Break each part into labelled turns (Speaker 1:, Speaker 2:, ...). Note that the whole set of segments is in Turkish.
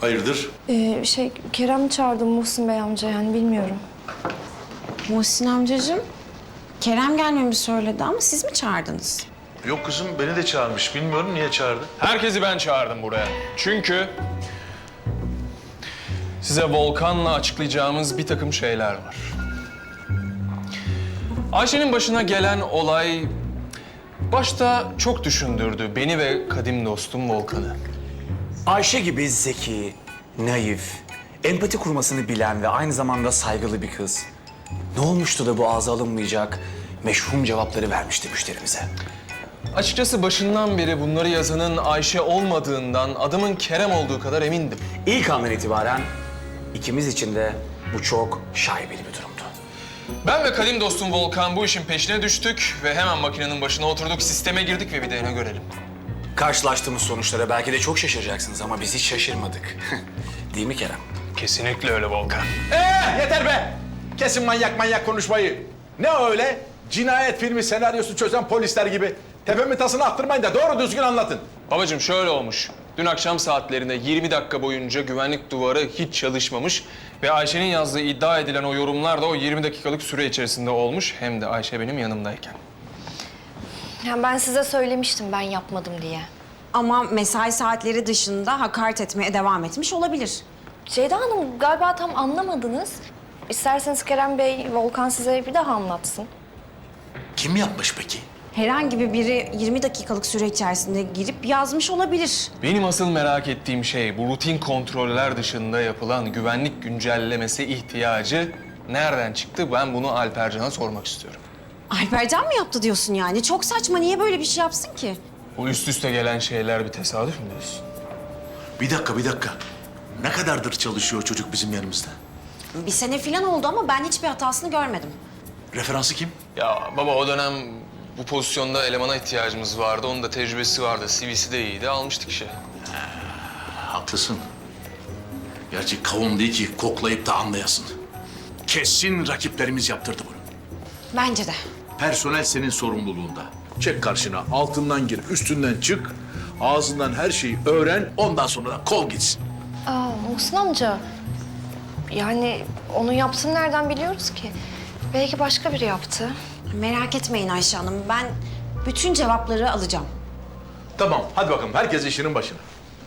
Speaker 1: Hayırdır?
Speaker 2: Kerem çağırdı Muhsin Bey amca, yani bilmiyorum.
Speaker 3: Muhsin amcacığım, Kerem gelmemi söyledi ama siz mi çağırdınız?
Speaker 1: Yok kızım, beni de çağırmış. Bilmiyorum niye çağırdı.
Speaker 4: Herkesi ben çağırdım buraya. Çünkü size Volkan'la açıklayacağımız bir takım şeyler var. Ayşe'nin başına gelen olay başta çok düşündürdü beni ve kadim dostum Volkan'ı.
Speaker 5: Ayşe gibi zeki, naif, empati kurmasını bilen ve aynı zamanda saygılı bir kız. Ne olmuştu da bu ağza alınmayacak meşhum cevapları vermişti müşterimize?
Speaker 4: Açıkçası başından beri bunları yazanın Ayşe olmadığından adımın Kerem olduğu kadar emindim.
Speaker 5: İlk andan itibaren ikimiz için de bu çok şaibeli bir durumdu.
Speaker 4: Ben ve kadim dostum Volkan bu işin peşine düştük ve hemen makinenin başına oturduk, sisteme girdik ve bir de ne görelim.
Speaker 5: Karşılaştığımız sonuçlara belki de çok şaşıracaksınız ama biz hiç şaşırmadık. Değil mi Kerem?
Speaker 4: Kesinlikle öyle Volkan.
Speaker 6: Yeter be! Kesin manyak konuşmayı. Ne öyle? Cinayet filmi senaryosu çözen polisler gibi. Tepemin tasını attırmayın da doğru düzgün anlatın.
Speaker 4: Babacığım şöyle olmuş. Dün akşam saatlerinde 20 dakika boyunca güvenlik duvarı hiç çalışmamış ve Ayşe'nin yazdığı iddia edilen o yorumlar da o 20 dakikalık süre içerisinde olmuş. Hem de Ayşe benim yanımdayken.
Speaker 2: Yani ben size söylemiştim ben yapmadım diye.
Speaker 3: Ama mesai saatleri dışında hakaret etmeye devam etmiş olabilir.
Speaker 2: Ceyda Hanım galiba tam anlamadınız. İsterseniz Kerem Bey, Volkan size bir daha anlatsın.
Speaker 1: Kim yapmış peki?
Speaker 3: Herhangi biri 20 dakikalık süre içerisinde girip yazmış olabilir.
Speaker 4: Benim asıl merak ettiğim şey bu rutin kontroller dışında yapılan güvenlik güncellemesi ihtiyacı nereden çıktı? Ben bunu Alpercan'a sormak istiyorum.
Speaker 3: Alpercan mı yaptı diyorsun yani? Çok saçma. Niye böyle bir şey yapsın ki?
Speaker 4: Bu üst üste gelen şeyler bir tesadüf mü diyorsun?
Speaker 1: Bir dakika. Ne kadardır çalışıyor çocuk bizim yanımızda?
Speaker 3: Bir sene falan oldu ama ben hiçbir hatasını görmedim.
Speaker 1: Referansı kim?
Speaker 4: Ya baba o dönem bu pozisyonda elemana ihtiyacımız vardı. Onun da tecrübesi vardı. CV'si de iyiydi. Almıştık işe.
Speaker 1: Haklısın. Gerçi kavun değil ki koklayıp da anlayasın. Kesin rakiplerimiz yaptırdı bunu.
Speaker 3: Bence de.
Speaker 6: Personel senin sorumluluğunda. Çek karşına, altından gir, üstünden çık. Ağzından her şeyi öğren, ondan sonra da kol gitsin.
Speaker 2: Muhsin amca, yani onu yaptığını nereden biliyoruz ki? Belki başka biri yaptı.
Speaker 3: Merak etmeyin Ayşe Hanım. Ben bütün cevapları alacağım.
Speaker 6: Tamam, hadi bakalım. Herkes işinin başına.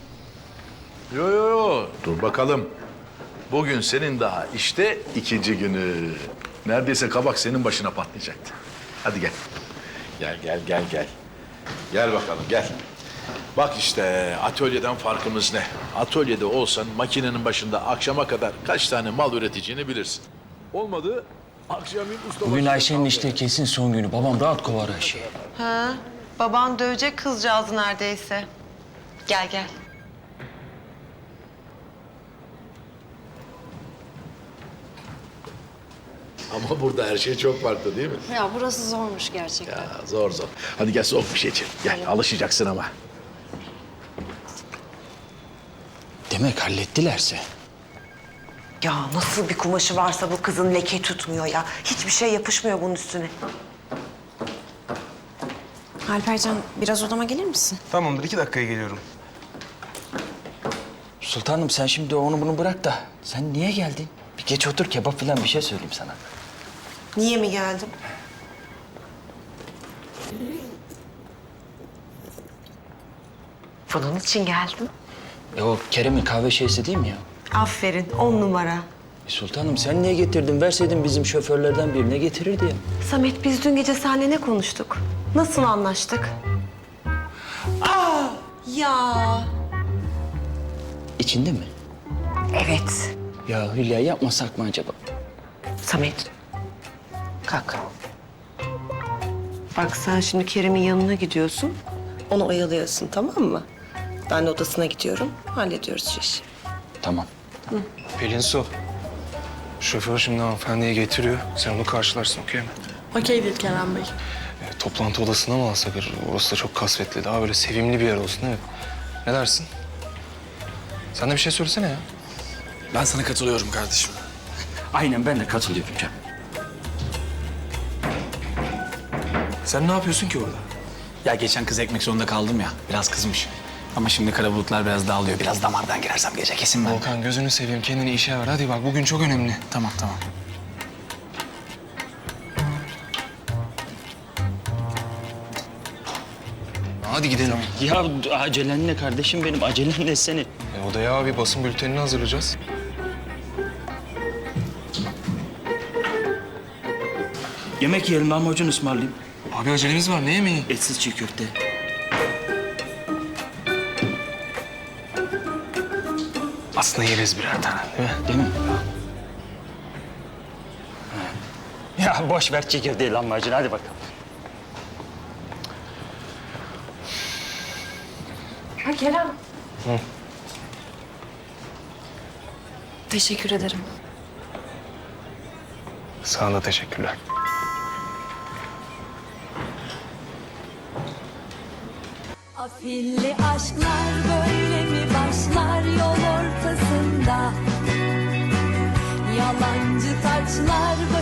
Speaker 6: Yo. Dur bakalım. Bugün senin daha işte ikinci günü. Neredeyse kabak senin başına patlayacaktı. Hadi gel. Gel. Gel bakalım, gel. Bak işte atölyeden farkımız ne? Atölyede olsan makinenin başında akşama kadar kaç tane mal üreteceğini bilirsin. Olmadı akşamın usta
Speaker 7: Bugün Ayşe'nin işte kesin son günü. Babam rahat kovar Ayşe'yi.
Speaker 8: Ha, baban dövecek kızcağızı neredeyse. Gel.
Speaker 6: Ama burada her şey çok farklı değil mi?
Speaker 3: Ya burası zormuş gerçekten.
Speaker 6: Ya zor. Hadi gel soğuk bir şey içelim. Gel alışacaksın ama.
Speaker 7: Demek hallettilerse.
Speaker 8: Ya nasıl bir kumaşı varsa bu kızın leke tutmuyor ya. Hiçbir şey yapışmıyor bunun üstüne.
Speaker 3: Alpercan biraz odama gelir misin?
Speaker 4: Tamamdır. 2 dakikaya geliyorum.
Speaker 7: Sultanım sen şimdi onu bunu bırak da sen niye geldin? Bir geç otur kebap falan bir şey söyleyeyim sana.
Speaker 8: Niye mi geldim? Bunun için geldim.
Speaker 7: O Kerem'in kahve şeysi değil mi ya?
Speaker 8: Aferin, 10 numara.
Speaker 7: Sultanım sen niye getirdin? Verseydin bizim şoförlerden birine getirirdi ya.
Speaker 8: Samet, biz dün gece seninle ne konuştuk? Nasıl anlaştık? Ya.
Speaker 7: İçinde mi?
Speaker 8: Evet.
Speaker 7: Ya Hülya yapmasak mı acaba?
Speaker 8: Samet, kalk. Bak sen şimdi Kerem'in yanına gidiyorsun. Onu oyalıyorsun, tamam mı? Ben de odasına gidiyorum, hallediyoruz şu işi.
Speaker 7: Tamam.
Speaker 4: Pelin Su. Şoför şimdi hanımefendiyi getiriyor. Sen onu karşılarsın, okey mi?
Speaker 9: Okeydir Kerem Bey.
Speaker 4: Toplantı odasına mı alsak? Orası da çok kasvetli. Daha böyle sevimli bir yer olsun değil mi? Ne dersin? Sen de bir şey söylesene ya.
Speaker 5: Ben sana katılıyorum kardeşim.
Speaker 7: Aynen ben de katılıyorum Cem.
Speaker 4: Sen ne yapıyorsun ki orada?
Speaker 5: Ya geçen kız ekmek zorunda kaldım ya. Biraz kızmış. Ama şimdi kara bulutlar biraz dağılıyor. Biraz damardan girersem gece kesin ben.
Speaker 4: Volkan gözünü seveyim kendini işe ver. Hadi bak bugün çok önemli.
Speaker 5: Tamam.
Speaker 4: Hadi gidelim.
Speaker 7: Ya acelen ne kardeşim benim? Acelen ne senin?
Speaker 4: Odaya bir basın bültenini hazırlayacağız.
Speaker 7: Yemek yiyelim, lahmacun ısmarlayayım.
Speaker 4: Abi acelemiz var. Ne yemeği?
Speaker 7: Etsiz çiğ köfte.
Speaker 4: Aslında yeriz birer tane değil mi?
Speaker 7: Değil mi? Ya boş ver çiğ köfteyi, lahmacun. Hadi bakalım.
Speaker 2: Ha Kerem. Teşekkür ederim.
Speaker 4: Sana da teşekkürler.
Speaker 10: Afilli aşklar böyle mi başlar yol ortasında? Yalancı taçlar